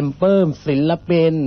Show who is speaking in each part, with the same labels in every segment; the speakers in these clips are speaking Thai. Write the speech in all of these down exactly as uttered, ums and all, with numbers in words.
Speaker 1: เพิ่มศิลปิน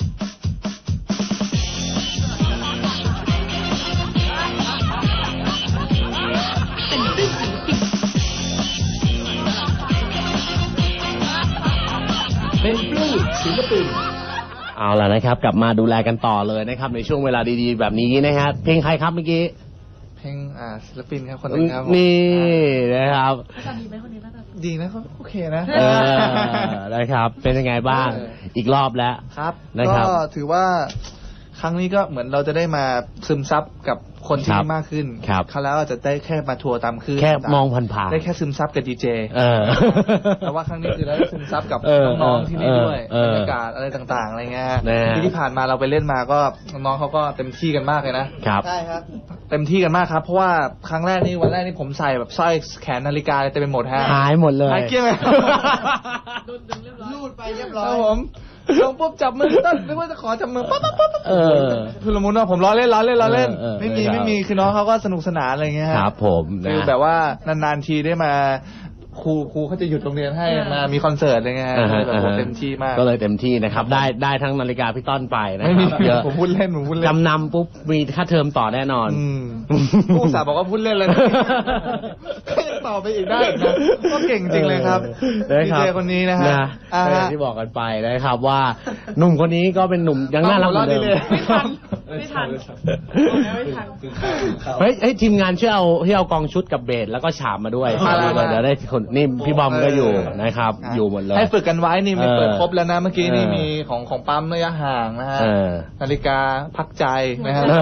Speaker 2: เป็นปลื้มศิลปิน
Speaker 1: เอาล่ะนะครับกลับมาดูแลกันต่อเลยนะครับในช่วงเวลาดีๆแบบนี้นะฮะเพลงใครครับเมื่อกี้
Speaker 3: เพลงอ่าศิลปินครับคนนึงครับ
Speaker 1: นี่นะครับ
Speaker 4: ดีไหมคนนี้น่าจะ
Speaker 3: ดีนะเขาโอเคนะ
Speaker 1: เออนะครับเป็นยังไงบ้างอีกรอบแล้ว
Speaker 3: ครับ
Speaker 1: นะครับ
Speaker 3: ก็ถือว่าครั้งนี้ก็เหมือนเราจะได้มาซึมซับกับคนที่นี่มากขึ้นคราวแล้วอาจจะได้แค่มาทัวร์ตามคืน
Speaker 1: แค่มองผ่านๆ
Speaker 3: ได้แค่ซึมซับกับดีเจแต่ว่าครั้งนี้คือเราได้ซึมซับกับน้องๆที่นี่ด้วยบรรยากาศอะไรต่างๆอะไรเงี้ยที่ที่ผ่านมาเราไปเล่นมาก็น้องๆเขาก็เต็มที่กันมากเลยนะครับ
Speaker 1: ใช่
Speaker 3: ครับเต็มที่กันมากครับเพราะว่าครั้งแรกนี่วันแรกนี่ผมใส่แบบสร้อยแขนนาฬิกาเต็มไปหมดฮะ
Speaker 1: หายหมดเลย
Speaker 3: หายเกลี้ยงเลย
Speaker 4: รูดไปเรียบร้อย
Speaker 3: ครับผมลงปุ๊บจับมือต้นนึกว่าจะขอจับมือปั๊บปั๊บปั๊บเออคือละมุนว่าผมล้อเล่นล้อเล่นล้อเล่นไม่มีไม่มีคือน้องเขาก็สนุกสนานอะไรเงี้ย
Speaker 1: ครับผม
Speaker 3: คือแบบว่านานๆทีได้มาครูครูเขาจะหยุดโรงเรียนให้มามีคอนเสิร์ตอะไรเงี้ยแบบเต็มที่มาก
Speaker 1: ก็เลยเต็มที่นะครับได้ได้ทั้งนาฬิกาพี่ต้นไปนะครับ
Speaker 3: เยอะผมพูดเล่นผมพูดเล่น
Speaker 1: จำนำปุ๊บมีค่าเทอมต่อแน่นอน
Speaker 3: ผู้สาวบอกว่าพูดเล่นเลยก็ยังต่อไปอีกได้นะก็เก่งจริงเลยครับดีเจคนนี้นะฮะ
Speaker 1: ที่บอกกันไปนะครับว่าหนุ่มคนนี้ก็เป็นหนุ่มยังน่ารักเหมือนเดิม
Speaker 4: ไม่ทันไม่ทันไม่ทัน
Speaker 1: เฮ้ยทีมงานช่วยเอาที่เอากองชุดกับเบสแล้วก็ฉาบมาด้วยเดี๋ยวได้คนนี่พี่บอมก็อยู่นะครับอยู่หมดเลย
Speaker 3: ให้ฝึกกันไว้นี่มีเปิดครบแล้วนะเมื่อกี้นี่มีของของปั๊มระยะห่างนะฮะนาฬิกาพักใจนะฮะ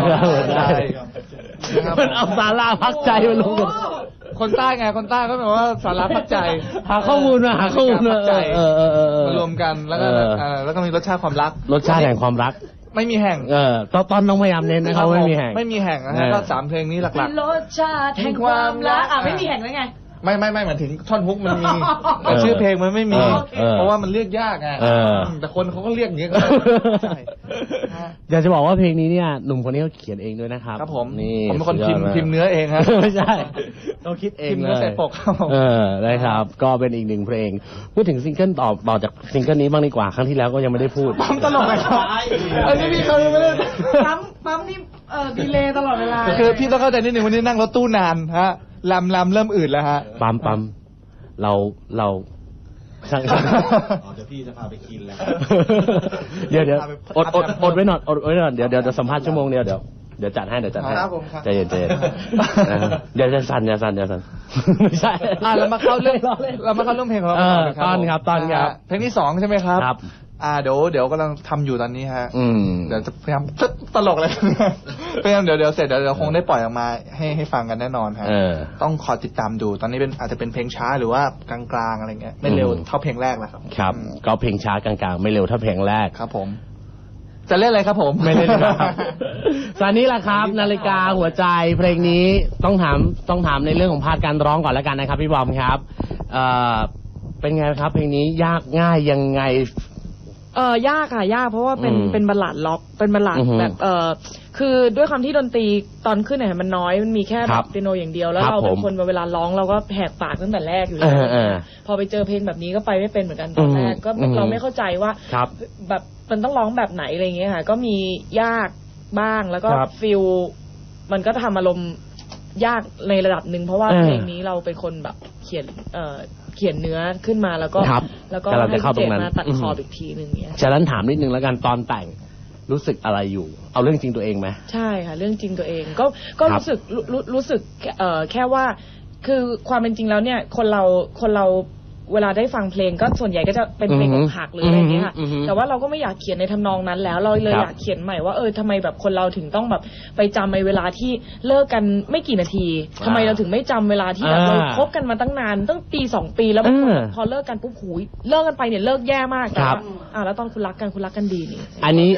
Speaker 1: มันเอาสาราพักใจมาลงกัน
Speaker 3: คนใต้ไงคนใต้ก็แบบว่าสาราพักใจ
Speaker 1: หาข้อมูลมาหาข้อมูลมา
Speaker 3: มารวมกันแล้วก็แล้วก็มีรสชาติความรัก
Speaker 1: รสชาติแห่งความรัก
Speaker 3: ไม่มีแห่ง
Speaker 1: เออตอนตอนน้องพยายามเน้นนะครับไม่มีแห่ง
Speaker 3: ไม่มีแห่งนะฮะก็สามเพลงนี้หลัก
Speaker 4: ๆรสชาติแห่งความรักอ่ะไม่มีแห่งได้ไง
Speaker 3: ไม่ไม่ไม่เหมือนถึงท่อนฮุกมันมีแต่ชื่อเพลงมันไม่มีเพราะว่ามันเรียกยากไงแต่คนเขาก็เรียกอย่างนี้
Speaker 1: อยากจะบอกว่าเพลงนี้เนี่ยหนุ่มคนนี้เขาเขียนเองด้วยนะครับ
Speaker 3: ครับผมนี่ผมเป็นคนพิมพ์พิมพ์เนื้อเองฮะ
Speaker 1: ไม่ใช่เขาคิดเองเลย
Speaker 3: ใส่ปก
Speaker 1: เออได้ครับก็เป็นอีกหนึ่งเพลงพูดถึงซิงเกิลต่อต่อจากซิงเกิลนี้บ้างดีกว่าครั้งที่แล้วก็ยังไม่ได้พูด
Speaker 3: ปั๊มตลกเลยครับอันนี้พี่เขาไม่ได้
Speaker 4: ปั๊มปั๊มนี่เอ่อดีเลย์ตลอดเวลา
Speaker 3: คือพี่ต้องเข้าใจนิดนึงวันนี้นั่งรถตู้นานฮะลำลำเริ่มอืดแล้วฮะ
Speaker 1: ปั๊มปั๊มเราเรา
Speaker 2: ช่างอ๋อเดี๋ยวพี่จะพาไปกินแล้ว
Speaker 1: เดี๋ยวเดี๋ยวอดอดอดไว้หน่อยอดไว้หน่อยเดี๋ยวเดี๋ยวจะสัมภาษณ์ชั่วโมงเดียวเดี๋ยวเดี๋ยวจัดให้เดี๋ยวจัดให้ใจเย็นใจเย็นเดี๋ยวจะสั่นจะสั่นจะสั่นไม่ใช่
Speaker 3: อ่ะเรามาเข้าเรื่องเรามาเข้าเรื่องเพลงของเรา
Speaker 1: ตอนครับตอนครับ
Speaker 3: เพลงที่สองใช่ไหมครับ
Speaker 1: ครับ
Speaker 3: อ่าเดี๋ยวเดี๋ยวกำลังทำอยู่ตอนนี้ฮะเดี๋ยวจะพยายามตลกเลยพยายามเดี๋ยวเดี๋ยวเสร็จเดี๋ยวเดี๋ยวคงได้ปล่อยออกมาให้ให้ฟังกันแน่นอนฮะต้องคอยติดตามดูตอนนี้เป็นอาจจะเป็นเพลงช้าหรือว่ากลางๆอะไรเงี้ยไม่เร็วเท่าเพลงแรกแล้วครับ
Speaker 1: ครับก็เพลงช้ากลางๆไม่เร็วเท่าเพลงแรก
Speaker 3: ครับผมจะเล่นอะไรครับผม
Speaker 1: ไม่เล่นครับตอนนี้แหละครับนาฬิกาหัวใจเพลงนี้ต้องถามต้องถามในเรื่องของพาร์ทการร้องก่อนแล้วกันนะครับพี่บอมครับเอ่อเป็นไงครับเพลงนี้ยากง่ายยังไง
Speaker 4: เออยากค่ะยากเพราะว่าเป็นเป็นบัลลัดล็อกเป็นบัลลัดแบบเออคือด้วยความที่ดนตรีตอนขึ้นเนี่ยมันน้อยมันมีแค่แบบเปียโนอย่างเดียวแล้วเราเป็นคนเวลาร้องเราก็แหกปากตั้งแต่แรกอยู่แล้วพอไปเจอเพลงแบบนี้ก็ไปไม่เป็นเหมือนกันตอนแรกก็เราไม่เข้าใจว่าแบบมันต้องร้องแบบไหนอะไรเงี้ยค่ะก็มียากบ้างแล้วก็ฟิลมันก็ทำอารมณ์ยากในระดับหนึ่งเพราะว่าเพลงนี้เราเป็นคนแบบเขียนเอ่อเขียนเนื้อขึ้นมาแล้วก็แล้วก็ให้เจตมาตัดคออีกทีนึงเนี้ย
Speaker 1: ฉะนั้นถามนิดนึงแล้วกันตอนแต่งรู้สึกอะไรอยู่เอาเรื่องจริงตัวเองไหม
Speaker 4: ใช่ค่ะเรื่องจริงตัวเองก็ก็รู้สึกรู้รู้สึกเอ่อแค่ว่าคือความเป็นจริงแล้วเนี่ยคนเราคนเราเวลาได้ฟังเพลงก็ส่วนใหญ่ก็จะเป็นเพลงอกหักหรืออะไรอย่างเงี้ยค่ะแต่ว่าเราก็ไม่อยากเขียนในทำนองนั้นแล้วเราเลยอยากเขียนใหม่ว่าเออทำไมแบบคนเราถึงต้องแบบไปจำในเวลาที่เลิกกันไม่กี่นาทีทำไมเราถึงไม่จำเวลาที่แบบเราคบกันมาตั้งนานตั้งปีสองปีแล้วพอเลิกกันปุ๊บหูยเลิกกันไปเนี่ยเลิกแย่มากแต่ว่าอ่าแล้วตอนคุณรักกันคุณรักกันดีนี่
Speaker 1: อันนี้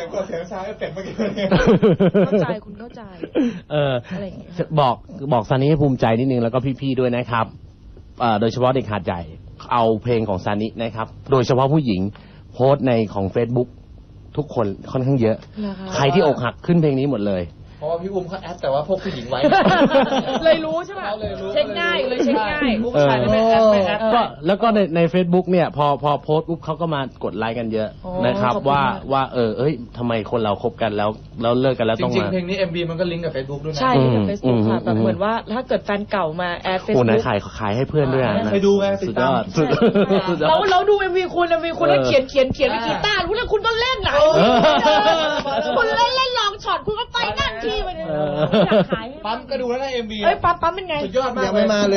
Speaker 4: เข้าใจคุณเข้าใจ
Speaker 1: เออบอกบอกซานี่ให้ภูมิใจนิดนึงแล้วก็พี่ๆด้วยนะครับโดยเฉพาะเด็กหาดใหญ่เอาเพลงของซานินะครับโดยเฉพาะผู้หญิงโพสต์ในของ Facebook ทุกคนค่อนข้างเยอะใครที่อกหักขึ้นเพลงนี้หมดเลย
Speaker 3: เพราะว่าพี่อุ้มเขาแอดแต่ว่าพวกผู้หญิงไว้
Speaker 4: เลยรู้ใช่ป่ะ
Speaker 3: เลยรู้
Speaker 4: เช็คง่ายเลยเช็คง่าย
Speaker 3: ผู้ชายไม่แอดไม่แอด
Speaker 1: ก็แล้วก็ในใน Facebook เนี่ยพอพอโพสต์ปุ๊บเขาก็มากดไลค์กันเยอะ
Speaker 4: โอ้
Speaker 1: นะครับ
Speaker 4: ขอบคุณ
Speaker 1: ว่าม
Speaker 4: าก
Speaker 1: ว่าเออเอ้ยทำไมคนเราคบกันแล้วแล้วเลิกกันแล้ว
Speaker 3: จ
Speaker 1: ต้อง
Speaker 3: ริง
Speaker 1: มา
Speaker 3: ๆเพลงนี้ เอ็ม วี มันก็ลิงก์กับ Facebook ด้วยนะ
Speaker 4: ใช่ในเฟซบุ๊กค่ะ
Speaker 1: อืม
Speaker 4: แบบเหมือนว่าถ้าเกิดแฟนเก่ามาแอดเฟซ
Speaker 1: โอ้ไหน
Speaker 4: บุ๊ก
Speaker 1: ขายขายให้เพื่อนด้วยอะนะ
Speaker 3: ไปดูไงติ
Speaker 1: สุ
Speaker 3: ด
Speaker 1: ดย
Speaker 3: ตาม
Speaker 1: อดสุดสุดยอ
Speaker 4: เรา
Speaker 1: ด
Speaker 4: เราดูเอ็มวีคุณเอ็มวีคุณแล้ว
Speaker 1: เออ
Speaker 4: เขียนเขียนเขียนเป็นกีตาร์รู้แล้วคุณก็เล่นหนัง
Speaker 1: เออ
Speaker 4: คุณเล่นเล่นลองช็อตคุณก็ไปนั่งที่ไปเลย
Speaker 1: เออ
Speaker 4: อยากขายให้
Speaker 3: ปั๊มก็ดูแล้วนะ เอ็ม วี
Speaker 4: เอ้ยปั๊มปั๊มเป็นไง
Speaker 3: สุดยอดมาก
Speaker 2: ยังไม่มาเลย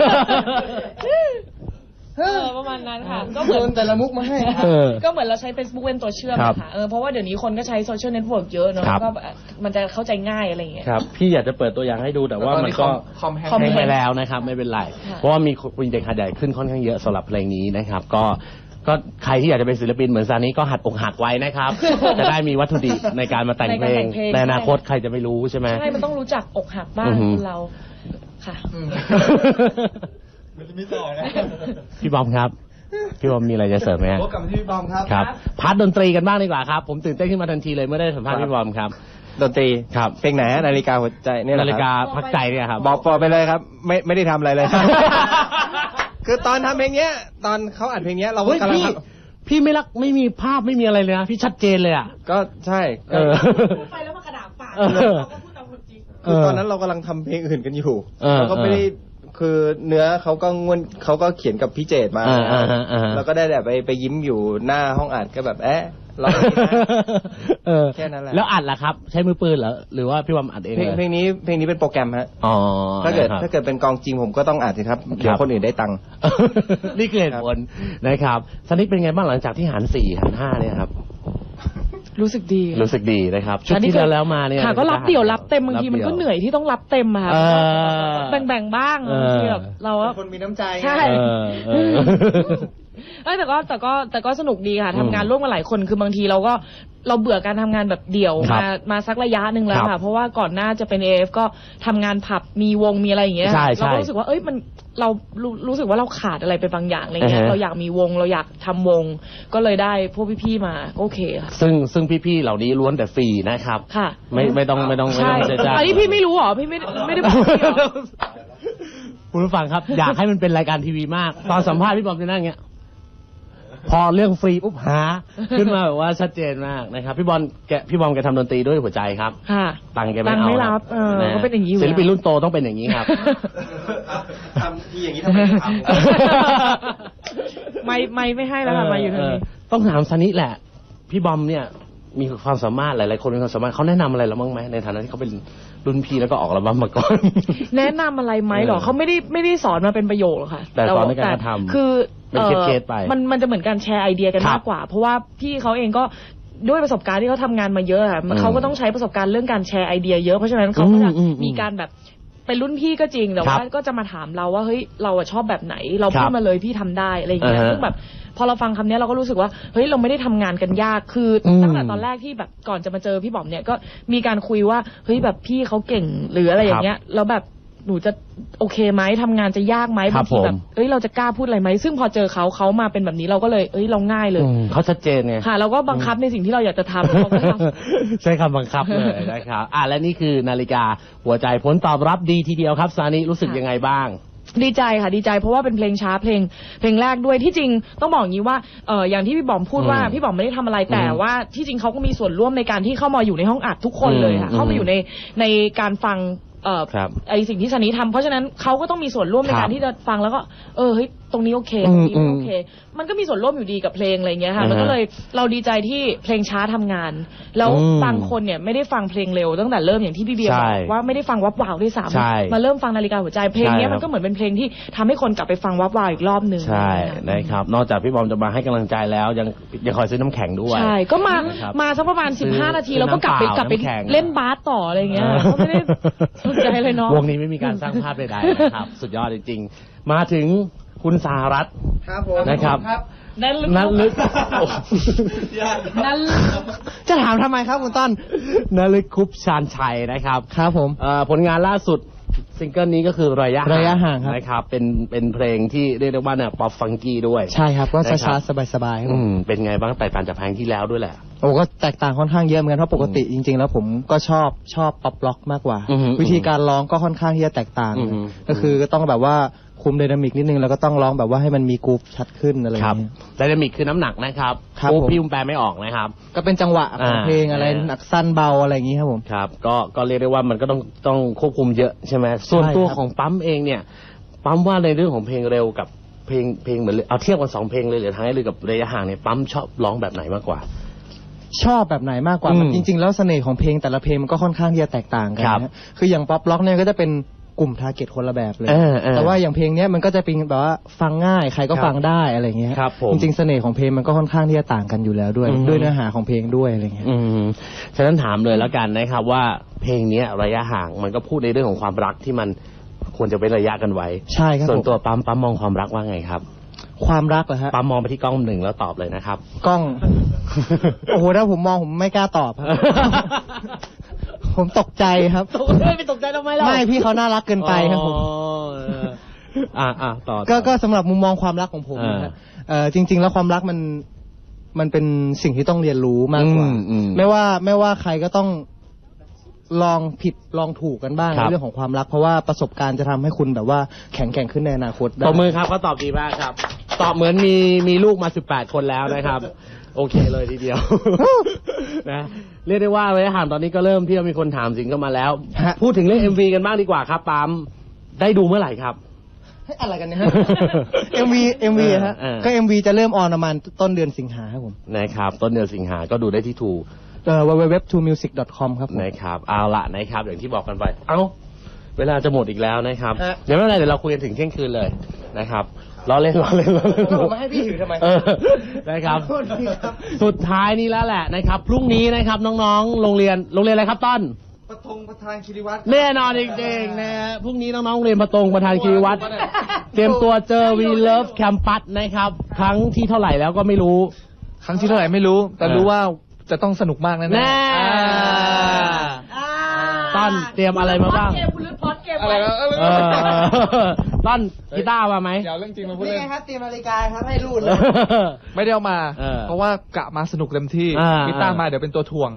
Speaker 4: เออประมาณนั้นค่ะก็เหมื
Speaker 2: โย
Speaker 4: อน
Speaker 2: นแต่ละมุกมาให้
Speaker 1: เออ
Speaker 4: ก็เหมือนเราใช้ Facebook เป็นตัวเชื่อม
Speaker 1: ครับ
Speaker 4: ค่ะเออเพราะว่าเดี๋ยวนี้คนก็ใช้โซเชียลเน็ตเวิร์กเยอะเนอะ
Speaker 1: ครับ
Speaker 4: ก็แบบมันจะเข้าใจง่ายอะไรอย่างเงี้ย
Speaker 1: ครับพี่อยากจะเปิดตัวอย่างให้ดูแต่ว่ามันก็
Speaker 3: คอมแฮง
Speaker 4: คอม
Speaker 1: แห้ง
Speaker 4: แห้
Speaker 1: ไปแล้วนะครับไม่เป็นไร
Speaker 4: ค่ะ
Speaker 1: เพราะว่ามีคนเด็กหัดใหญ่ขึ้นค่อนข้างเยอะสำหรับเพลงนี้นะครับ ก็ก็ใครที่อยากจะเป็นศิลปินเหมือนซานี้ก็หัดอกหักไว้นะครับ จะได้มีวัตถุดิบในการมาแต่งเพลงในอนาคตใครจะไม่รู้ใช่ไหม
Speaker 4: ใช่มันต้องรู้จักอกหักบ้าง
Speaker 1: อือหือ
Speaker 4: คนเราค่ะ
Speaker 3: มันจะมีต่อนะ
Speaker 1: พี่บอมครับ พี่บอมมีอะไรจะเสริมไหมฮะ
Speaker 3: พบกับที่พี่บอมครับ
Speaker 1: ครับพาร์ทดนตรีกันบ้างดีกว่าครับ ผมตื่นเต้นขึ้นมาทันทีเลยเมื่อได้สัมภาษณ์พี่บอมครับ
Speaker 5: ดนตรี
Speaker 1: ครับ
Speaker 5: เพลงไหนฮะนาฬิกาหัวใจเนี่ยเหรอ
Speaker 1: นาฬิ
Speaker 5: ค
Speaker 1: กา
Speaker 5: รับ
Speaker 1: พักใจเนี่ยครับ
Speaker 5: บอกปอไปเลยครับ ไม่ไม่ได้ทำอะไรเลย คือตอนทำเพลงเนี้ย ตอนเขาอัดเพลงเนี้ยเราก็
Speaker 1: เฮ้ย
Speaker 5: กำลัง
Speaker 1: พี่
Speaker 5: ท
Speaker 1: พี่ไม่รักไม่มีภาพไม่มีอะไรเลยนะพี่ชัดเจนเลยอ่ะ
Speaker 5: ำก็ใช่
Speaker 1: เออ
Speaker 4: ไปแล้วมากระดาษปาก
Speaker 1: เออ
Speaker 4: เราก็พูดตามความจริง
Speaker 5: คือตอนนั้นเรากำลังทำเพลงอื่นกันอยู่
Speaker 1: เออ
Speaker 5: เราก็ไม่ได้คือเนื้อเขาก็งวนเขาก็เขียนกับพี่เจตมา
Speaker 1: อ่าอ่าฮะอ่าฮะ
Speaker 5: แล้วก็ได้แบบไปไปยิ้มอยู่หน้าห้องอัดก็แบบเอ๊ะเราไม่ได้นะ
Speaker 1: เออ
Speaker 5: แค่นั้นแหละ
Speaker 1: แล้วอัดล่ะครับ ใช้มือปืนเหรอหรือว่าพี่บอมอัดเอง
Speaker 5: เพลง
Speaker 1: เลย
Speaker 5: เพลงนี้เพลงนี้เป็นโปรแกรมฮะ
Speaker 1: อ๋อ
Speaker 5: ถ้าเกิด
Speaker 1: นะครับ
Speaker 5: ถ้าเกิดเป็นกองจริงผมก็ต้องอัดสิครับเดี๋ยวคนอื่นได้ตังค์
Speaker 1: นี่คือเหตุผลนะครับสนิทเป็นไงบ้างหลังจากที่หารสี่หารห้าเนี่ยครับ
Speaker 4: รู้สึกดี
Speaker 1: รู้สึกดีนะครับชุดที่แล้วแล้วมาเนี่ย
Speaker 4: ค่ะก็รับเดี่ยวรับเต็มบางทีมันก็เหนื่อยที่ต้องรับเต็มอะค่ะ
Speaker 1: เออ
Speaker 4: แบ่งๆบ้าง
Speaker 1: เออ
Speaker 4: บางทีแบบเราก็
Speaker 5: คนมีน้ำใจ
Speaker 4: ใช่
Speaker 1: เออเออ
Speaker 4: เอ้ยแต่ก็แต่ก็แต่ก็สนุกดีค่ะ
Speaker 1: อืม
Speaker 4: ทำงานร่วมกันหลายคนคือบางทีเราก็เราเบื่อการทำงานแบบเดี่ยว
Speaker 1: ครับ
Speaker 4: มามาสักระยะหนึ่งแล้ว
Speaker 1: ครั
Speaker 4: ค่ะ
Speaker 1: บ
Speaker 4: เพราะว่าก่อนหน้าจะเป็น เอ เอฟ ก็ทำงานผับมีวงมีอะไรอย่างเงี้ย
Speaker 1: ใช่ใช่
Speaker 4: เราก็รู้สึกว่าเอ้ยมันเรารู้รู้สึกว่าเราขาดอะไรไปบางอย่างอะไรเงี้ย
Speaker 1: อ่าฮะ
Speaker 4: เราอยากมีวงเราอยากทำวง ก็เลยได้พวกพี่ๆมาโอเคค่ะ
Speaker 1: ซึ่งซึ่งพี่ๆเหล่านี้ล้วนแต่ฟรีนะครับ
Speaker 4: ค่ะ
Speaker 1: ไม่ไม่ต้องไม่ต้องไม่
Speaker 4: ใช่
Speaker 1: ต้องเสียใจ
Speaker 4: อันนี้พี่ไม่รู้เหรอพี่ไม่ไม่ได้บอกพี่เหรอ
Speaker 1: คุณผู้ฟังครับ อยากให้มันเป็นรายการทีวีมาก ตอนสัมภาษณ์พี่บอมจะนั่งอย่างเงี้ย พอเรื่องฟรีปุ๊บหา ขึ้นมาแบบว่าชัดเจนมากนะครับ พี่บอลแกพี่บอมแกทำดนตรีด้วยหัวใจครับ
Speaker 4: ค่ะ
Speaker 1: ตังค์แก
Speaker 4: ตั
Speaker 1: ไม่
Speaker 4: งค์
Speaker 1: เอา
Speaker 4: ไม่รับเออ
Speaker 1: นะ
Speaker 4: ก็เป็นอย่างนี้อยู่
Speaker 1: ศิลปินรุ่นโตต้องเป็นอย่างนี้ครับ
Speaker 5: ทำที่อย่างนี้ทำไมไม่ทำ
Speaker 4: ไม่ไม่ไม่ให้แล้วค่ะมาอยู่ทางนี้
Speaker 1: เต้องถามซานิแหละ พี่บอมเนี่ย มีความสามารถหลายๆคนมีความสามารถเขาแนะนำอะไรเราบ้างไหมในฐานะที่เขาเป็นรุ่นพี่แล้วก็ออกอัลบั้มมาก่อน
Speaker 4: แนะนำอะไรไหมเหรอ
Speaker 1: เออ
Speaker 4: เขาไม่ได้ไม่ได้สอนมาเป็นประโยคหรอกค่ะ
Speaker 1: แต่สอนในการกระทำ
Speaker 4: คือ
Speaker 1: เป็นเคสๆไป
Speaker 4: มันมันจะเหมือนการแชร์ไอเดียกัน
Speaker 1: ครับ
Speaker 4: มากกว่า เพราะว่าพี่เขาเองก็ด้วยประสบการณ์ที่เขาทำงานมาเยอะค่ะ
Speaker 1: อืม
Speaker 4: เขาก็ต้องใช้ประสบการณ์เรื่องการแชร์ไอเดียเยอะเพราะฉะนั้นเขาก็จะ
Speaker 1: อืมอืม
Speaker 4: มีการแบบเป็นรุ่นพี่ก็จริงแต่
Speaker 1: ครั
Speaker 4: ว่า
Speaker 1: บ
Speaker 4: ก็จะมาถามเราว่าเฮ้ยเราอะชอบแบบไหน เราพู
Speaker 1: ค
Speaker 4: ด
Speaker 1: รับ
Speaker 4: มาเลยพี่ทำได้อะไรอย่างเงี้ย
Speaker 1: อ่าฮะ
Speaker 4: ซึ่งแบบพอเราฟังคำนี้เราก็รู้สึกว่าเฮ้ยเราไม่ได้ทำงานกันยากคืออ
Speaker 1: ม
Speaker 4: ตั้งแต่ตอนแรกที่แบบก่อนจะมาเจอพี่บอมเนี่ยก็มีการคุยว่าเฮ้ยแบบพี่เขาเก่งหรืออะไรอย่างเงี้ยแล้วแบบหนูจะโอเคไหมทำงานจะยากไหม
Speaker 1: ครับ
Speaker 4: บางทีแบบ
Speaker 1: ผม
Speaker 4: เอ้ยเราจะกล้าพูดอะไรไหมซึ่งพอเจอเขาเขามาเป็นแบบนี้เราก็เลยเอ้ยเราง่ายเลย
Speaker 1: อืมเขาชัดเจนไง
Speaker 4: ค่ะเราก็บังคับในสิ่งที่เราอยากจะทำเขาก็ทำ
Speaker 1: ใช้คำบังคับเลยนะครับ อ่ะและนี่คือนาฬิกาหัวใจผลตอบรับดีทีเดียวครับซานิรู้สึก
Speaker 4: ค่ะ
Speaker 1: ยังไงบ้าง
Speaker 4: ดีใจค่ะดีใจเพราะว่าเป็นเพลงช้าเพลงเพลงแรกด้วยที่จริงต้องบอกอย่างนี้ว่าเอออย่างที่พี่บอมพูดว่า
Speaker 1: อืม
Speaker 4: พี่บอมไม่ได้ทำอะไรแต่
Speaker 1: อืม
Speaker 4: ว่าที่จริงเขาก็มีส่วนร่วมในการที่เข้ามาอยู่ในห้องอัดทุกคนเลยค่ะ
Speaker 1: อืม
Speaker 4: เข้ามาอยู่ในในการฟังเอ่อ
Speaker 1: ครับ
Speaker 4: ไอสิ่งที่ซันนี่ทำเพราะฉะนั้นเขาก็ต้องมีส่วนร่วมใน
Speaker 1: ครั
Speaker 4: การ
Speaker 1: บ
Speaker 4: ที่จะฟังแล้วก็เออเฮ้ยตรงนี้โอเค
Speaker 1: อื
Speaker 4: ตร
Speaker 1: ม
Speaker 4: งนี้ไม่
Speaker 1: อืม
Speaker 4: โอเค มันก็มีส่วนร่วมอยู่ดีกับเพลงอะไรเงี้ยค่ะ
Speaker 1: อ่าฮะ
Speaker 4: มันก็เลยเราดีใจที่เพลงช้าทำงาน แล้ว
Speaker 1: อืม
Speaker 4: บางคนเนี่ยไม่ได้ฟังเพลงเร็วตั้งแต่เริ่มอย่างที่พี่เบียร์บ
Speaker 1: ใช่
Speaker 4: อกว่าไม่ได้ฟังวับวาวด้วยซ้
Speaker 1: ใช่
Speaker 4: ำมาเริ่มฟังนาฬิกาหัวใจเพลงเนี้ย
Speaker 1: ใช่ครับ
Speaker 4: มันก็เหมือนเป็นเพลงที่ทำให้คนกลับไปฟังวับวาวอีกรอบหนึ่ง
Speaker 1: ใช่
Speaker 4: ค่ะ
Speaker 1: นะครับ นอกจากพี่บอมจะมาให้กำลังใจแล้ว ยังยังคอยซื้อน้ำแข็งด้วย
Speaker 4: ใช่ก็มา
Speaker 1: นะครับ
Speaker 4: มาสักประมาณ
Speaker 1: ซื้
Speaker 4: สิ
Speaker 1: อบ
Speaker 4: ห้า นาที
Speaker 1: ซื้อ
Speaker 4: แล้วก็กลับไป
Speaker 1: น้ำเปล่าก
Speaker 4: ลับไป
Speaker 1: น้ำแข็ง
Speaker 4: เล่นบาสต่ออะไรเงี้ยก็ไม่ได้สนใจเลยเนาะ
Speaker 1: วงนี้ไม่มีการสร้างภาพใดๆนะครับ สุดยอดจริงๆ มาถึงคุณสหรัฐ
Speaker 5: ครับผม
Speaker 1: นะครับ
Speaker 4: นั่นลึก
Speaker 1: นันลึก
Speaker 4: นั่น
Speaker 1: จะถามทำไมครับคุณต้นนลึกคุปชานชัยนะครับ
Speaker 2: ครับผม
Speaker 1: เอ่อผลงานล่าสุดซิงเกิลนี้ก็คือระยะ
Speaker 2: ระยะห่างครับ
Speaker 1: นะครับ เป็นเป็นเพลงที่เรียกได้ว่าเนี่ยป๊อปฟังกี้ด้วย
Speaker 2: ใช่ครับก็
Speaker 1: นะครับ
Speaker 2: ช้าๆสบายๆครับ
Speaker 1: อื
Speaker 2: ผม
Speaker 1: มเป็นไงบ้างแตกต่างจากเพลงที่แล้วด้วยแหละ
Speaker 6: โอ้ก็แตกต่างค่อนข้างเยอะเหมือนกันเพราะปกติจริง ๆ แล้วผมก็ชอบชอบป๊อปล็อกมากกว่า วิธีการร้องก็ค่อนข้างที่จะแตกต่างก็คือก็ต้องแบบว่าคุมไดนามิกนิดนึงแล้วก็ต้องร้องแบบว่าให้มันมีกรูฟชัดขึ้นอะไรอย่างเงี้ย
Speaker 1: ไดนามิกคือน้ำหนักนะครับโอ้พี่อุ้มแปลไม่ออกนะครับ
Speaker 6: ก็เป็นจังหวะของเพลงอะไรหนักสั้นเบาอะไรอย่างงี้ครับผม
Speaker 1: ครับก็ก็เรียกได้ว่ามันก็ต้องต้องควบคุมเยอะใช่ไหมส่วนตัวของปั๊มเองเนี่ยปั๊มว่าในเรื่องของเพลงเร็วกับเพลงเพลงเหมือนเอาเทียบกันสองเพลงเลยหรือทางให้เลยกับระยะห่างเนี่ยปั๊มชอบร้องแบบไหนมากกว่า
Speaker 6: ชอบแบบไหนมากกว่าจริงๆแล้วเสน่ห์ของเพลงแต่ละเพลงมันก็ค่อนข้างที่จะแตกต่างกันนะคืออย่างป๊อปล็อกเนี่ยก็จะเป็นกลุ่มทาร์เก็ตคนละแบบเลยแต่ว่าอย่างเพลงนี้มันก็จะเป็นแบบว่าฟังง่ายใครก็ฟังได้อะไรเงี้ยจริงๆเสน่ห์ของเพลงมันก็ค่อนข้างที่จะต่างกันอยู่แล้วด้วยด้วยเนื้อหาของเพลงด้วยอะไรเงี้ย
Speaker 1: ฉะนั้นถามเลยแล้วกันนะครับว่าเพลงนี้ระยะห่างมันก็พูดในเรื่องของความรักที่มันควรจะเป็นระยะกันไว้
Speaker 6: ใช่ครับ
Speaker 1: ส่วนตัวปั๊มปั๊มมองความรักว่าไงครับ
Speaker 6: ความรักเหรอฮะ
Speaker 1: ปั๊มมองไปที่กล้องหนึ่งแล้วตอบเลยนะครับ
Speaker 6: กล้องโอ้โหถ้าผมมองผมไม่กล้าตอบครับผมตกใจครับ
Speaker 1: ไม่ตกใจทำไมล่ะ
Speaker 6: ไม่พี่เขาน่ารักเกินไปครับผม
Speaker 1: อ่าอ่าต่อ
Speaker 6: ก็ก็สำหรับมุมมองความรักของผมนะเออจริงๆแล้วความรักมันมันเป็นสิ่งที่ต้องเรียนรู้มากกว่าไม่ว่าไม่ว่าใครก็ต้องลองผิดลองถูกกันบ้างในเรื่องของความรักเพราะว่าประสบการณ์จะทำให้คุณแบบว่าแข็งแกร่งขึ้นในอนาคตได้
Speaker 1: ตบมือครับเขาตอบดีมากครับตอบเหมือนมีมีลูกมาสิบแปดคนแล้วนะครับโอเคเลยทีเดียวนะเรียกได้ว่าระยะห่างตอนนี้ก็เริ่มที่จะมีคนถามสิงเข้ามาแล้วพูดถึงเรื่อง เอ็ม วี กันบ้างดีกว่าครับปั๊มได้ดูเมื่อไหร่ครับ
Speaker 6: อะไรกันเนี่ยฮะ เอ็ม วี เอ็ม วี ฮะก็ เอ็ม วี จะเริ่มออนประมาณต้นเดือนสิงหาครับผม
Speaker 1: นะครับต้นเดือนสิงหาก็ดูได้ที่ทู
Speaker 6: เอ่อ ดับเบิลยู ดับเบิลยู ดับเบิลยู ดอท ทูมิวสิก ดอท คอม ครับ
Speaker 1: นะครับเอาละนะครับอย่างที่บอกกันไปเอ้าเวลาจะหมดอีกแล้วนะครับเดี๋ยวไม่เป็นไรเดี๋ยวเราคุยกันถึงเที่ยงคืนเลยนะครับล้อเล่นล้อเล่นล้อเล่น
Speaker 6: ผมมาให้พี่ถือทำไม
Speaker 1: นะครับสุดท้ายนี้แล้วแหละนะครับพรุ่งนี้นะครับน้องๆโรงเรียนโรงเรียนอะไรครับต้น
Speaker 3: ปฐมประธานคีรีวัฒน์
Speaker 1: แน่นอนจริงๆนะฮะพรุ่งนี้น้องๆโรงเรียนปฐมประธานคีรีวัฒน์เตรียมตัวเจอ We Love Campus นะครับครั้งที่เท่าไหร่แล้วก็ไม่รู้
Speaker 3: ครั้งที่เท่าไหร่ไม่รู้แต่รู้ว่าจะต้องสนุกมากแน่
Speaker 1: แน่ต้นเตรียมอะไรมาบ้าง
Speaker 3: อะไรนะ
Speaker 1: ต้นกีตาร์มาไหม
Speaker 3: เดี๋ยวเรื่องจริงมาพูดเล่น
Speaker 6: นี่ไงครับเตรียมนาฬิกาครับให้รูดเลย
Speaker 3: ไม่ได้เอามาเพราะว่ากะมาสนุกเต็มที่กีตาร์มาเดี๋ยวเป็นตัวถ่วง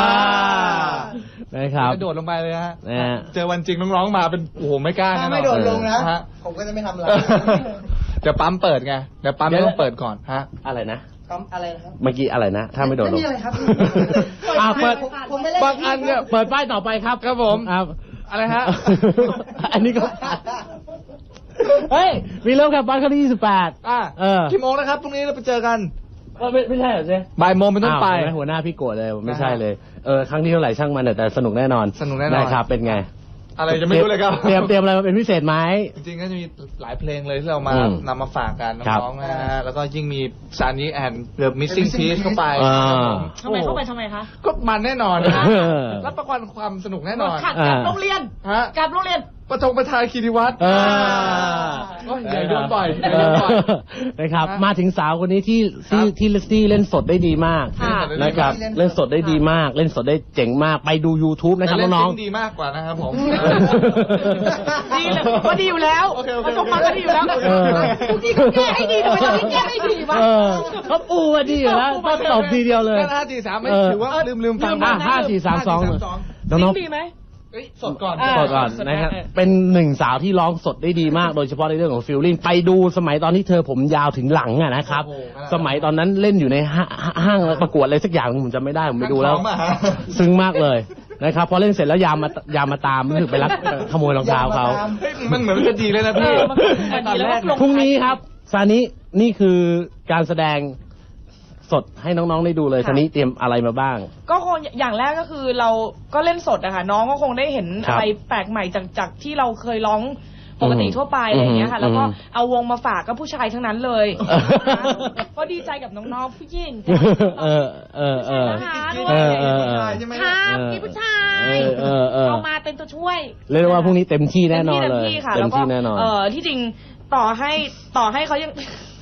Speaker 1: นะครับ
Speaker 3: จะโดดลงไปเลยฮะเจอวันจริงน้องๆมาเป็นโอ้โหไม่กล้า
Speaker 6: ถ้าไม่โดดลงนะผมก็จะไม่ทำอะไร
Speaker 3: เดี๋ยวปั๊มเปิดไงเดี๋ยวปั๊มไม่ต้องเปิดก่อนฮะ
Speaker 1: อะไรนะ
Speaker 6: อะไรนะครับ
Speaker 1: เมื่อกี้อะไรนะถ้าไม่โดนลง
Speaker 6: ไม่มีอะไรครับ
Speaker 1: อ่าเปิดบางอันเนี่ยเปิดป้ายต่อไปครับ
Speaker 3: ครับผม
Speaker 1: ครับ
Speaker 3: อะไรฮะ
Speaker 1: อันนี้ก็เฮ้ยมีเริ่มครับบ้านครั้งที่ยี่สิบแปด
Speaker 3: อ่าเออกี่โมงนะครับพรุ่งนี้เราไปเจอกัน
Speaker 1: ไม่ไม่ใช่เหรอเจ๊
Speaker 3: บ่ายโมงเป็นต้นไป
Speaker 1: หัวหน้าพี่โกรธเลยไม่ใช่เลยเออครั้งที่เท่าไหร่ช่างมันแต่สนุกแน่นอน
Speaker 3: สนุกแน่นอน
Speaker 1: นะครับเป็นไง
Speaker 3: อะไรจะไม่รู้เลยครับ
Speaker 1: เตรียมเตรียมอะไรมาเป็นพิเศษไหม
Speaker 3: จริงๆก็จะมีหลายเพลงเลยที่เรามานำมาฝากกันน้องๆนะฮะแล้วก็ยิ่งมีซานีแอนด์เดอะมิสซิ่งพีซเข้าไป
Speaker 4: ทำไมเข้าไปทำไมคะ
Speaker 3: ก็มันแน่นอนนะรับประกันความสนุกแน่นอน
Speaker 4: กับโรงเรียนกับโรงเรียน
Speaker 3: ปฐมประธานคีรีวัฒน์อย่าโดนบ่อย
Speaker 1: นะครับมาถึงสาวคนนี้ที่ที่ที่ที่เล่นสดได้ดีมากนะครับเล่นสดได้ดีมากเล่นสดได้เจ๋งมากไปดู YouTube นะครับน้อง
Speaker 3: ๆดีมากกว่านะครับผม
Speaker 4: ดีเลยก็ดีอยู่แล้วประสบการณ์ก็ดีอยู่แล้วกูดีกูแก้ให้ดีทำไมต้องแก้ให้ดีวะ
Speaker 1: เขาปูมาดีอยู่แล้วต้องตบทีเดียวเลย
Speaker 3: ห้าสี่สามไม่ถือว่าลืมลืมฟัง
Speaker 1: ห้าสี่สามสอง
Speaker 4: น้องๆดีไหม
Speaker 3: สดก่อน
Speaker 1: สดก่อนนะครับเป็นหนึ่งสาวที่ร้องสดได้ดีมากโดยเฉพาะในเรื่องของฟีลลิ่งไปดูสมัยตอนที่เธอผมยาวถึงหลังอะนะครับสมัยตอนนั้นเล่นอยู่ในห้างประกวดอะไรสักอย่างผมจำไม่ได้ผมไปดูแล้วซึ้งมากเลยนะครับพอเล่นเสร็จแล้วยามมายามมาตามรู้สึกไปรักขโมยรองเท้าเขา
Speaker 3: มันเหมือนจะดีเลยนะพี่
Speaker 1: ตอนแรกพรุ่งนี้ครับซานินี่คือการแสดงสดให้น้องๆได้ดูเลยทีนี้เตรียมอะไรมาบ้าง
Speaker 4: ก็คงอย่างแรกก็คือเราก็เล่นสดอะค่ะน้องก็คงได้เห็นอะไรแปลกใหม่จากจากที่เราเคยร้องปกติทั่วไปอะไรอย่างเงี้ยค่ะแล้วก็เอาวงมาฝากก็ผู้ชายทั้งนั้นเลยก็ดีใจกับน้องๆผู้หญิง
Speaker 1: เออเออเออ
Speaker 4: ค่ะมีผู้ชายเอามาเป็นตัวช่วย
Speaker 1: เรียกว่าพรุ่งนี้เต็มที่แน่นอนเลย
Speaker 4: เต็มที่ค่ะแล้วก็เออที่จริงต่อให้ต่อให้เขายัง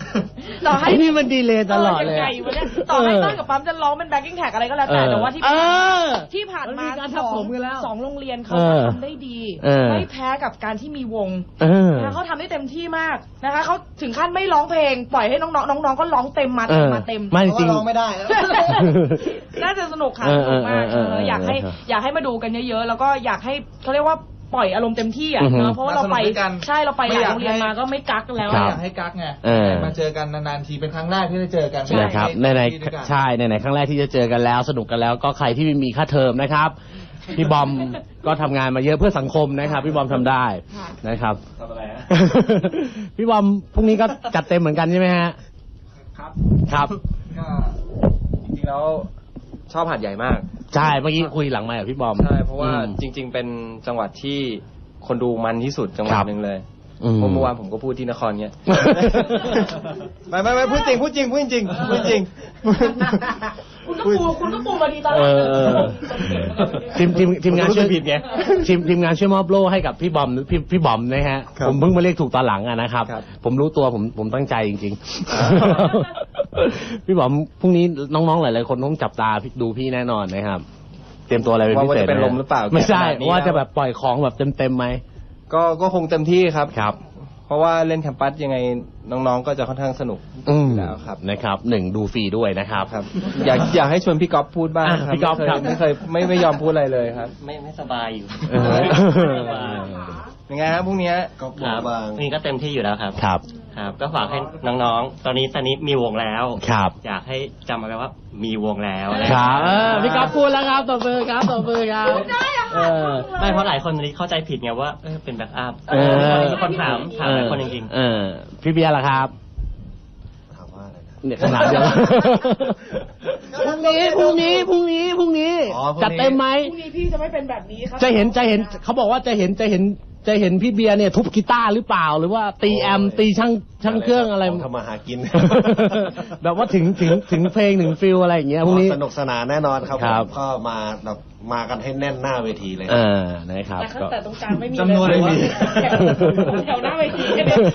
Speaker 4: ต่อให้
Speaker 1: ไอ้นี่มันดีเลยตลอดเลย
Speaker 4: ยังไงวะเนี่ยต่อให้ต้นกับปั๊มจะร้องเป็นแบ็คกิ้งแท็กอะไรก็แล้วแต่แต่ว่าที่
Speaker 1: เออ
Speaker 4: ที่ผ่านมา
Speaker 1: มันมีการ
Speaker 4: ส
Speaker 1: ทับ
Speaker 4: อง
Speaker 1: ผมกันแล้ว
Speaker 4: สองโรงเรียนเขา
Speaker 1: เออ
Speaker 4: ทำได้ดี
Speaker 1: เออ
Speaker 4: ไม่แพ้กับการที่มีวง
Speaker 1: เออ
Speaker 4: นะคะเขาทำได้เต็มที่มากนะคะเขาถึงขั้นไม่ร้องเพลง ปล่อยให้น้องๆน้องๆก็ร้องเต็มมาเต็มมาเต็ม
Speaker 1: ไม่จริง
Speaker 3: เพาะว่าร้องไม่ได้
Speaker 4: น่าจะสนุกค่ะ
Speaker 1: เอ
Speaker 4: ส
Speaker 1: อ
Speaker 4: นุกมาก
Speaker 1: เออเออเออ
Speaker 4: เอออยากให้
Speaker 1: เออ
Speaker 4: อยากให้มาดูกันเยอะๆแล้วก็อยากให้เขาเรียกว่าปล่อยอารมณ์เต็มที่อ่ะ
Speaker 1: อือฮึ
Speaker 4: เนอะเพราะว่าเราไป
Speaker 3: มาสนุกด้วยกัน
Speaker 4: ใช่เราไปห
Speaker 3: ไม่
Speaker 4: ลาย
Speaker 3: อยาก
Speaker 4: โรงเรียน
Speaker 3: ให้
Speaker 4: มาก็ไม่กักแล้ว
Speaker 1: ครั
Speaker 3: ไม่
Speaker 1: บ
Speaker 3: อยากให้กักไง
Speaker 1: เออ
Speaker 3: มาเจอกันนานๆทีเป็นครั้งแรกที่ได้เจอกัน
Speaker 1: นะครับในในใช่ในในครั้งแรกที่จะเจอกันแล้วสนุกกันแล้วก็ใครที่ไม่มีค่าเทอมนะครับ พี่บอมก็ทำงานมาเยอะเพื่อสังคมนะครับ พี่บอมทำได้นะครับ
Speaker 2: ทำอะไรฮะ
Speaker 1: พี่บอมพรุ่งนี้ก็จัดเต็มเหมือนกันใช่ไหมฮะ
Speaker 5: ครับ
Speaker 1: ครับ
Speaker 3: ก็
Speaker 5: จริงๆแล้วชอบหาดใหญ่มาก
Speaker 1: ใช่เมื่อกี้คุยหลังไมค์กับพี่บอม
Speaker 5: ใช่เพราะว่า
Speaker 1: อืม
Speaker 5: จริง ๆ เป็นจังหวัดที่คนดูมันที่สุดจังหวัด
Speaker 1: ครับ
Speaker 5: หนึ่งเลย
Speaker 1: อืม
Speaker 5: เพราะเมื่อวานผมก็พูดที่นครเงี้ย ไม่ไม่ไม่พูดจริงพูดจริงพูดจริงพูดจริง
Speaker 4: คุณก็ปูคุณก็ปูมาดีตลอ
Speaker 1: เอ
Speaker 4: ด
Speaker 1: อเออทีมทีมทีมงานช่วย
Speaker 5: ผมรู้สึกผิดไง
Speaker 1: ทีมทีมงานช่วยมอบโล่ให้กับพี่บอมพี่พี่บอมนะฮะ
Speaker 5: ครับ
Speaker 1: ผมเพิ่งมาเรียกถูกตอนหลังอะนะครับ
Speaker 5: ครับ
Speaker 1: ผมรู้ตัวผมผมตั้งใจจริง
Speaker 5: อ่า
Speaker 1: ๆ พี่บอมพรุ่งนี้น้องๆหลายๆคนต้องจับตาดูพี่แน่นอนนะครับ เตรียมตัวอะไรเป็นพิ
Speaker 5: ว่า
Speaker 1: เศษ
Speaker 5: จะเป็น
Speaker 1: ไห
Speaker 5: ลมหรือเปล่า
Speaker 1: ไม่ใช่
Speaker 5: ขนาดนี้
Speaker 1: ว่าจะ
Speaker 5: แล้ว
Speaker 1: แบบปล่อยของแบบเต็มๆไหม
Speaker 5: ก็ก็คงเต็มที่ครับ
Speaker 1: ครับ
Speaker 5: เพราะว่าเล่นแคมปัสยังไงน้องๆก็จะค่อนข้างสนุก
Speaker 1: อืม
Speaker 5: อยู่แล้วครับ
Speaker 1: นะครับหนึ่งดูฟรีด้วยนะครับ
Speaker 5: ครับ อยากอยากให้ชวนพี่ก๊อฟพูดบ้าง
Speaker 1: อ่ะ
Speaker 5: ครับ
Speaker 1: พี่ก๊อฟ
Speaker 5: ไม่เคย
Speaker 1: ครับ
Speaker 5: ไม่เคยไม่ไม่ยอมพูดอะไรเลยครับ
Speaker 7: ไม่ไม่สบายอยู่
Speaker 1: เออ
Speaker 5: ยังไงครับพรุ่งนี้
Speaker 2: ก็บ
Speaker 7: ค
Speaker 2: อ
Speaker 7: รั
Speaker 2: ก
Speaker 7: บบ
Speaker 2: าง
Speaker 7: นี่ก็เต็มที่อยู่แล้วครับ
Speaker 1: ครับ
Speaker 7: ครับ ก็ฝากให้น้องๆ ตอนนี้ตอนนี้มีวงแล้ว
Speaker 1: ครับ
Speaker 7: อยากให้จำเอาไว้ว่ามีวงแล้ว
Speaker 1: ครับเออพี่ก๊อฟพูดแล้วครับตบมือครับตบมือครับ
Speaker 4: ได้อะ
Speaker 1: เอ
Speaker 4: ค่ะ
Speaker 1: อ
Speaker 7: ไม่เพราะหลายคนตอนนี้เข้าใจผิดไงว่าเออเป็นแบ็กอัพ
Speaker 1: เออ
Speaker 7: มีคนถามถามหลายคนจริง
Speaker 1: เออพี่เบียร์ล่ะครับ
Speaker 2: ถามว่าอะไรนะ
Speaker 1: เนี่ยขนาดเดียวพรุ่งนี้พรุ่งนี้พรุ่งนี้พรุ่งนี้
Speaker 2: อ๋อพรุ่งนี้
Speaker 1: จัดเต็มไหม
Speaker 4: พรุ่งนี้พี่จะไม่เป็นแบบนี้ครับ
Speaker 1: จะเห็นจะเห็นเขาบอกว่าจะเห็นจะเห็นจะเห็นพี่เบียร์เนี่ยทุบกีตาร์หรือเปล่า หรือว่าตีแอมตีช่างช่างเครื่องอะไร
Speaker 2: ขทำมาหากิน
Speaker 1: แบบว่าถึงถึงถึงเพลงถึงฟิลอะไรอย่างเงี้ยพรุ่งนี้
Speaker 2: สนุกสนานแน่นอนครับ
Speaker 1: ครับ
Speaker 2: ผมก็มาแบบมากันให้แน่นหน้าเวทีเลยค
Speaker 1: เอ
Speaker 2: รับ
Speaker 1: อนะครับ
Speaker 4: แต่ข้าง
Speaker 1: ก็
Speaker 4: แต่ตรงกลางไม่มี
Speaker 3: จำนวน
Speaker 4: เลย
Speaker 3: ไม่มี
Speaker 4: แถวหน้าเวทีแค่เนี้ย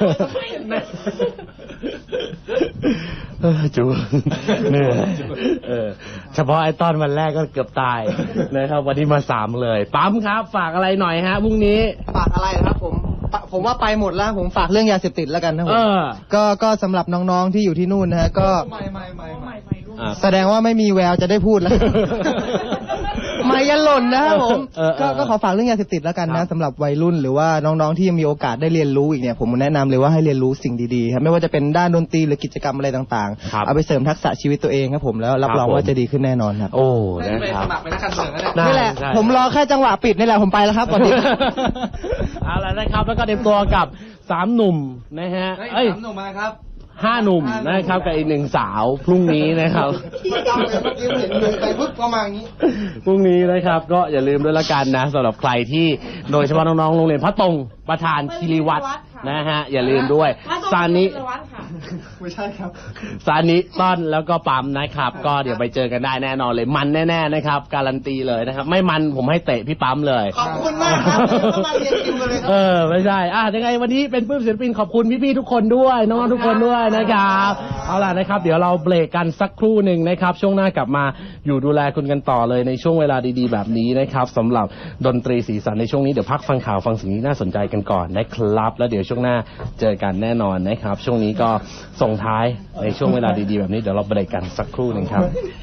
Speaker 1: เออจูเหนื่อยเออเฉพาะไอ้ตอนวันแรกก็เกือบตายนะครับ วันนี้มาสามเลย ปั๊มครับ ฝากอะไรหน่อยฮะพรุ่งนี้
Speaker 6: ฝากอะไรนะครับผมปะผมว่าไปหมดแล้วผมฝากเรื่องยาเสพติดแล้วกันนะผ
Speaker 1: เอ
Speaker 6: ม
Speaker 1: อ
Speaker 6: ก็ก็สำหรับน้องๆที่อยู่ที่นู่นนะฮะก็
Speaker 3: ไม่ไม่ไม่ไม่
Speaker 1: อ่ะ
Speaker 6: แสดงว่าไม่มีแววจะได้พูดแล้ว ไม่ยันหล่นนะครับผม
Speaker 1: เออเออ
Speaker 6: ก็ก็ขอฝากเรื่องยาเสพติดแล้วกัน
Speaker 1: ครั
Speaker 6: นะ
Speaker 1: บ
Speaker 6: สำหรับวัยรุ่นหรือว่าน้องๆที่ยังมีโอกาสได้เรียนรู้อีกเนี่ยผมแนะนำเลยว่าให้เรียนรู้สิ่งดีๆครับไม่ว่าจะเป็นด้านดนตรีหรือกิจกรรมอะไรต่าง
Speaker 1: ครับ
Speaker 6: ๆเอาไปเสริมทักษะชีวิตตัวเองครับผมแล้วรับ
Speaker 1: ครับ
Speaker 6: รอง
Speaker 1: ผม
Speaker 6: ว่าจะดีขึ้นแน่นอนครับ
Speaker 1: โอ้
Speaker 3: ได้
Speaker 1: นะ
Speaker 3: ไป
Speaker 1: ครั
Speaker 3: ส
Speaker 1: บ
Speaker 3: มัครเป็นนักการเมืองแล้วเนี่ย
Speaker 1: ได้
Speaker 6: นี่แหละ
Speaker 1: ใช่
Speaker 6: ผมรอแค่จังหวะปิดนี่แหละผมไปแล้วครับก่อนนี้
Speaker 1: เอาละนะครับ แล้วก็เตรียมตัวกับสามหนุ่มนะฮะ
Speaker 3: เฮ้ย
Speaker 1: เอ้ย
Speaker 3: สามหนุ่มมานะครับ
Speaker 1: ห้าหนุ่มนะครับกับอีกหนึ่งสาวพรุ่งนี้นะครับ
Speaker 6: ที่จำเลยเมื่อกี้เห็นมือไปปุ๊บก็มาอย่างนี้
Speaker 1: พรุ่งนี้นะครับก็อย่าลืมด้วยละกันนะสำหรับใครที่โดยเฉพาะน้องๆโรงเรียนพระตรงประธานคีรีวัตรนะฮะอย่าลืมด้วยซานิ
Speaker 3: ไม่ใช่ครับ
Speaker 1: ซานิต้อนแล้วก็ปั๊มนะครับ ก็เดี๋ยวไปเจอกันได้แน่นอนเลยมันแน่ๆนะครับ การันตีเลยนะครับ ไม่มันผมให้เตะพี่ปั๊มเลย
Speaker 6: ขอบคุณมากครับเดี๋ยวก็มาเรียนคิวกันเลยครับ
Speaker 1: เออไม่ใช่อ่ะยังไงวันนี้เป็นปื้มศิลปินขอบคุณพี่ๆทุกคนด้วยน้องๆทุกคนด้วยนะครับเอาล่ะนะครับ เดี๋ยวเราเบรกกันสักครู่หนึ่งนะครับ ช่วงหน้ากลับมาอยู่ดูแลคุณกันต่อเลยในช่วงเวลาดีๆแบบนี้นะครับสำหรับดนตรีสีสันในช่วงนี้เดี๋ยวพักฟังข่าวฟังสิ่งที่น่าสนใจกันก่อนนะครับแล้วเดี๋ยวช่วงหน้าเจอกันแน่นอนนะครับ ช่วงนี้ก็ส่งท้ายในช่วงเวลาดีๆแบบนี้เดี๋ยวเราเบรกกันสักครู่หนึ่งครับ